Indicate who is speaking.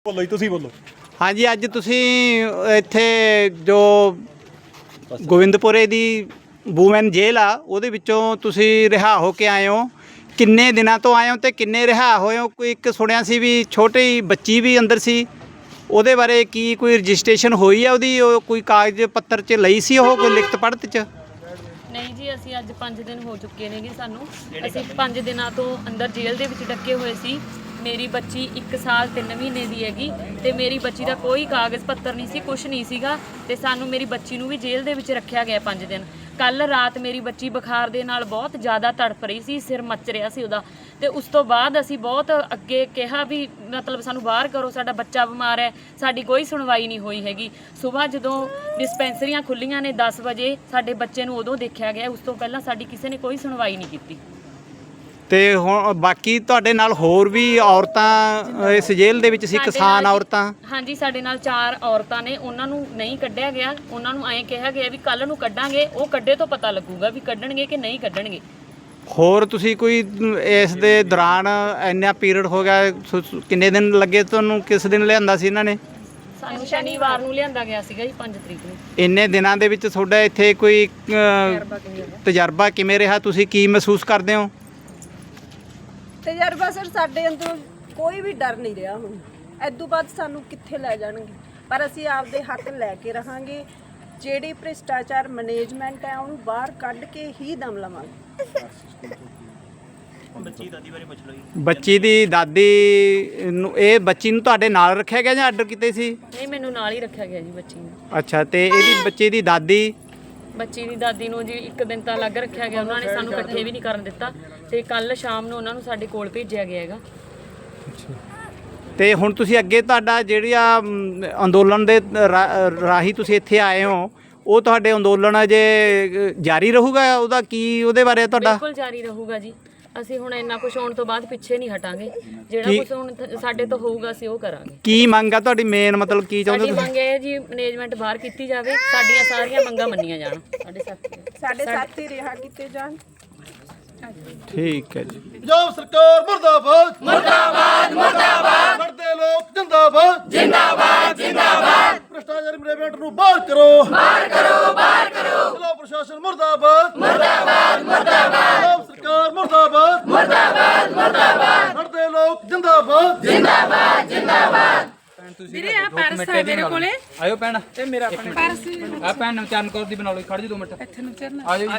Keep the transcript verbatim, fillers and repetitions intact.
Speaker 1: ਬੋਲੋ ਜੀ ਤੁਸੀਂ ਬੋਲੋ।
Speaker 2: ਹਾਂਜੀ ਅੱਜ ਤੁਸੀਂ ਇੱਥੇ ਜੋ ਗੋਬਿੰਦਪੁਰੇ ਦੀ ਵੂਮੈਨ ਜੇਲ੍ਹ ਆ ਉਹਦੇ ਵਿੱਚੋਂ ਤੁਸੀਂ ਰਿਹਾ ਹੋ ਕੇ ਆਏ ਹੋ। ਕਿੰਨੇ ਦਿਨਾਂ ਤੋਂ ਆਏ ਹੋ ਤੇ ਕਿੰਨੇ ਰਿਹਾ ਹੋਏ ਹੋ? ਕੋਈ ਇੱਕ ਸੁਣਿਆ ਸੀ ਵੀ ਛੋਟੀ ਬੱਚੀ ਵੀ ਅੰਦਰ ਸੀ, ਉਹਦੇ ਬਾਰੇ ਕੀ ਕੋਈ ਰਜਿਸਟ੍ਰੇਸ਼ਨ ਹੋਈ ਆ ਉਹਦੀ? ਉਹ ਕੋਈ ਕਾਗਜ਼ ਪੱਤਰ 'ਚ ਲਈ ਸੀ ਉਹ ਕੋਈ ਲਿਖਤ ਪੜ੍ਹਤ 'ਚ?
Speaker 3: ਨਹੀਂ ਜੀ, ਅਸੀਂ ਅੱਜ ਪੰਜ ਦਿਨ ਹੋ ਚੁੱਕੇ ਨੇਗੇ ਸਾਨੂੰ। ਅਸੀਂ ਪੰਜ ਦਿਨਾਂ ਤੋਂ ਅੰਦਰ ਜੇਲ੍ਹ ਦੇ ਵਿੱਚ ਡੱਕੇ ਹੋਏ ਸੀ। ਮੇਰੀ ਬੱਚੀ ਇੱਕ ਸਾਲ ਤਿੰਨ ਮਹੀਨੇ ਦੀ ਹੈਗੀ ਤੇ ਮੇਰੀ ਬੱਚੀ ਦਾ ਕੋਈ ਕਾਗਜ਼ ਪੱਤਰ ਨਹੀਂ ਸੀ, ਕੁਛ ਨਹੀਂ ਸੀਗਾ ਤੇ ਸਾਨੂੰ ਮੇਰੀ ਬੱਚੀ ਨੂੰ ਵੀ ਜੇਲ੍ਹ ਦੇ ਵਿੱਚ ਰੱਖਿਆ ਗਿਆ ਪੰਜ ਦਿਨ। ਕੱਲ ਰਾਤ ਮੇਰੀ ਬੱਚੀ ਬੁਖਾਰ ਦੇ ਨਾਲ ਬਹੁਤ ਜ਼ਿਆਦਾ ਤੜਫ ਰਹੀ ਸੀ, ਸਿਰ ਮੱਚ ਰਿਹਾ ਸੀ ਉਹਦਾ, ਤੇ ਉਸ ਤੋਂ ਬਾਅਦ ਅਸੀਂ ਬਹੁਤ ਅੱਗੇ ਕਿਹਾ ਵੀ ਮਤਲਬ ਸਾਨੂੰ ਬਾਹਰ ਕਰੋ, ਸਾਡਾ ਬੱਚਾ ਬਿਮਾਰ ਹੈ। ਸਾਡੀ ਕੋਈ ਸੁਣਵਾਈ ਨਹੀਂ ਹੋਈ ਹੈਗੀ। ਸਵੇਰ ਜਦੋਂ ਡਿਸਪੈਂਸਰੀਆਂ ਖੁੱਲੀਆਂ ਨੇ ਦਸ ਵਜੇ ਸਾਡੇ ਬੱਚੇ ਨੂੰ ਉਦੋਂ ਦੇਖਿਆ ਗਿਆ, ਉਸ ਤੋਂ ਪਹਿਲਾਂ ਸਾਡੀ ਕਿਸੇ ਨੇ ਕੋਈ ਸੁਣਵਾਈ ਨਹੀਂ ਕੀਤੀ।
Speaker 2: ਤੇ ਹੁਣ ਬਾਕੀ ਤੁਹਾਡੇ ਨਾਲ ਹੋਰ ਵੀ ਔਰਤਾਂ ਇਸ ਜੇਲ੍ਹ ਦੇ ਵਿੱਚ ਸੀ, ਕਿਸਾਨ ਔਰਤਾਂ?
Speaker 3: ਹਾਂਜੀ, ਸਾਡੇ ਨਾਲ ਚਾਰ ਔਰਤਾਂ ਨੇ, ਉਹਨਾਂ ਨੂੰ ਨਹੀਂ ਕੱਢਿਆ ਗਿਆ। ਉਹਨਾਂ ਨੂੰ ਐਂ ਕਿਹਾ ਗਿਆ ਵੀ ਕੱਲ ਨੂੰ ਕੱਢਾਂਗੇ, ਉਹ ਕੱਢੇ ਤੋਂ ਪਤਾ ਲੱਗੂਗਾ ਵੀ ਕੱਢਣਗੇ ਕਿ ਨਹੀਂ ਕੱਢਣਗੇ।
Speaker 2: ਹੋਰ ਤੁਸੀਂ ਕੋਈ ਇਸ ਦੇ ਦੌਰਾਨ ਇੰਨਾ ਪੀਰੀਅਡ ਹੋ ਗਿਆ, ਕਿੰਨੇ ਦਿਨ ਲੱਗੇ ਤੁਹਾਨੂੰ? ਕਿਸ ਦਿਨ ਲਿਆਂਦਾ ਸੀ ਇਹਨਾਂ ਨੇ?
Speaker 3: ਸਾਨੂੰ ਸ਼ਨੀਵਾਰ ਨੂੰ ਲਿਆਂਦਾ ਗਿਆ ਸੀਗਾ ਜੀ, ਪੰਜ ਤਰੀਕ ਨੂੰ।
Speaker 2: ਇੰਨੇ ਦਿਨਾਂ ਦੇ ਵਿੱਚ ਤੁਹਾਡਾ ਇੱਥੇ ਕੋਈ ਤਜਰਬਾ ਕਿਵੇਂ ਰਿਹਾ? ਤੁਸੀਂ ਕੀ ਮਹਿਸੂਸ ਕਰਦੇ ਹੋ?
Speaker 4: ਤਜਰਬਾ ਸਰ, ਸਾਡੇ ਅੰਦਰੋਂ ਕੋਈ ਵੀ ਡਰ ਨਹੀਂ ਰਿਹਾ। ਹੁਣ ਇਦੋਂ ਬਾਅਦ ਸਾਨੂੰ ਕਿੱਥੇ ਲੈ ਜਾਣਗੇ, ਪਰ ਅਸੀਂ ਆਪਦੇ ਹੱਕ ਲੈ ਕੇ ਰਹਾਂਗੇ। ਜਿਹੜੀ ਭ੍ਰਿਸ਼ਟਾਚਾਰ ਮੈਨੇਜਮੈਂਟ ਹੈ ਉਹਨੂੰ ਬਾਹਰ ਕੱਢ ਕੇ ਹੀ ਦਮ ਲਵਾਂਗੇ।
Speaker 1: ਬੱਚੀ ਦਾਦੀ ਬਾਰੇ ਪੁੱਛ ਲਓ ਜੀ।
Speaker 2: ਬੱਚੀ ਦੀ ਦਾਦੀ ਨੂੰ, ਇਹ ਬੱਚੀ ਨੂੰ ਤੁਹਾਡੇ ਨਾਲ ਰੱਖਿਆ ਗਿਆ ਜਾਂ ਆਰਡਰ ਕੀਤੇ ਸੀ?
Speaker 3: ਨਹੀਂ, ਮੈਨੂੰ ਨਾਲ ਹੀ ਰੱਖਿਆ ਗਿਆ ਜੀ ਬੱਚੀ ਨੂੰ।
Speaker 2: ਅੱਛਾ, ਤੇ ਇਹਦੀ ਬੱਚੇ ਦੀ ਦਾਦੀ?
Speaker 3: ਬੱਚੀ ਦੀ ਦਾਦੀ ਨੂੰ ਜੀ ਇੱਕ ਦਿਨ ਤਾਂ ਅਲੱਗ ਰੱਖਿਆ ਗਿਆ, ਉਹਨਾਂ ਨੇ ਸਾਨੂੰ ਇਕੱਠੇ ਵੀ ਨਹੀਂ ਕਰਨ ਦਿੱਤਾ ਤੇ ਕੱਲ ਸ਼ਾਮ ਨੂੰ ਉਹਨਾਂ ਨੂੰ ਸਾਡੇ ਕੋਲ ਭੇਜਿਆ ਗਿਆ ਹੈਗਾ।
Speaker 2: ਤੇ ਹੁਣ ਤੁਸੀਂ ਅੱਗੇ ਤੁਹਾਡਾ ਜਿਹੜੀ ਆ ਅਮ, ਅੰਦੋਲਨ ਦੇ ਰਾ- ਰਾਹੀਂ ਤੁਸੀਂ ਇੱਥੇ ਆਏ ਹੋ, ਉਹ ਤੁਹਾਡੇ ਅੰਦੋਲਨ ਅਜੇ ਜਾਰੀ ਰਹੂਗਾ? ਉਹਦਾ ਕੀ ਉਹਦੇ ਬਾਰੇ ਤੁਹਾਡਾ?
Speaker 3: ਬਿਲਕੁਲ ਜਾਰੀ ਰਹੂਗਾ ਜੀ। ਅਸੀਂ ਹੁਣ ਇੰਨਾ ਕੁਝ ਹੋਣ ਤੋਂ ਬਾਅਦ ਪਿੱਛੇ ਨਹੀਂ ਹਟਾਂਗੇ। ਜਿਹੜਾ
Speaker 2: ਕੀ-
Speaker 3: ਕੁਝ ਹੁਣ th- ਸਾਡੇ ਤੋਂ ਹੋਊਗਾ ਅਸੀਂ ਉਹ ਕਰਾਂਗੇ।
Speaker 2: ਕੀ ਮੰਗ ਆ ਤੁਹਾਡੀ ਮੇਨ? ਮਤਲਬ ਕੀ ਚਾਹੁੰਦੇ
Speaker 3: ਸਾਡੀ
Speaker 2: ਤੁਸੀਂ?
Speaker 3: ਮੰਗ ਇਹ ਜੀ, ਮੈਨੇਜਮੈਂਟ ਬਾਹਰ ਕੀਤੀ ਜਾਵੇ, ਸਾਡੀਆਂ ਸਾਰੀਆਂ ਮੰਗਾਂ ਮੰਨੀਆਂ ਜਾਣ। ਸਾਡੇ ਸਾਥੀ
Speaker 4: ਸਾਡੇ ਸਾਥੀ ਰਿਹਾ ਕੀਤੇ ਜਾਣ।
Speaker 2: ਠੀਕ ਹੈ ਜੀ।
Speaker 1: ਪੰਜਾਬ ਸਰਕਾਰ ਮੁਰਦਾਬਾਦ ਮੁਰਦਾਬਾਦ ਮੁਰਦਾਬਾਦ। ਲੜਦੇ ਲੋਕ ਜਿੰਦਾਬਾਦ ਜਿੰਦਾਬਾਦ ਜਿੰਦਾਬਾਦ। ਭ੍ਰਿਸ਼ਟਾਚਾਰ ਮੈਨੇਜਮੈਂਟ ਨੂੰ ਬਾਹਰ ਕਰੋ ਬਾਹਰ ਕਰੋ ਬਾਹਰ ਕਰੋ। ਜ਼ਿਲ੍ਹਾ ਪ੍ਰਸ਼ਾਸਨ ਮੁਰਦਾਬਾਦ ਮੁਰਦਾਬਾਦ ਮੁਰਦਾਬਾਦ। ਪੰਜਾਬ ਸਰਕਾਰ ਮੁਰਦਾਬਾਦ ਮੁਰਦਾਬਾਦ ਮੁਰਦਾਬਾਦ। ਲੜਦੇ ਲੋਕ ਜਿੰਦਾਬਾਦ ਜਿੰਦਾਬਾਦ ਜਿੰਦਾਬਾਦ।
Speaker 5: ਵੀਰੇ ਆ ਪਰਸ ਆ ਮੇਰੇ ਕੋਲੇ।
Speaker 6: ਆਇਓ ਭੈਣ,
Speaker 5: ਇਹ ਮੇਰਾ ਆਪਣਾ ਪਰਸ
Speaker 6: ਆ ਭੈਣ ਨੂੰ ਚਰਨ ਕੌਰ ਦੀ ਬਣਾ ਲਓ, ਖੜ ਜੀ ਦੋ ਮਿੰਟ।
Speaker 5: ਇੱਥੇ ਨੂੰ ਚੜਨਾ।
Speaker 6: ਆਜੋ ਜੀ।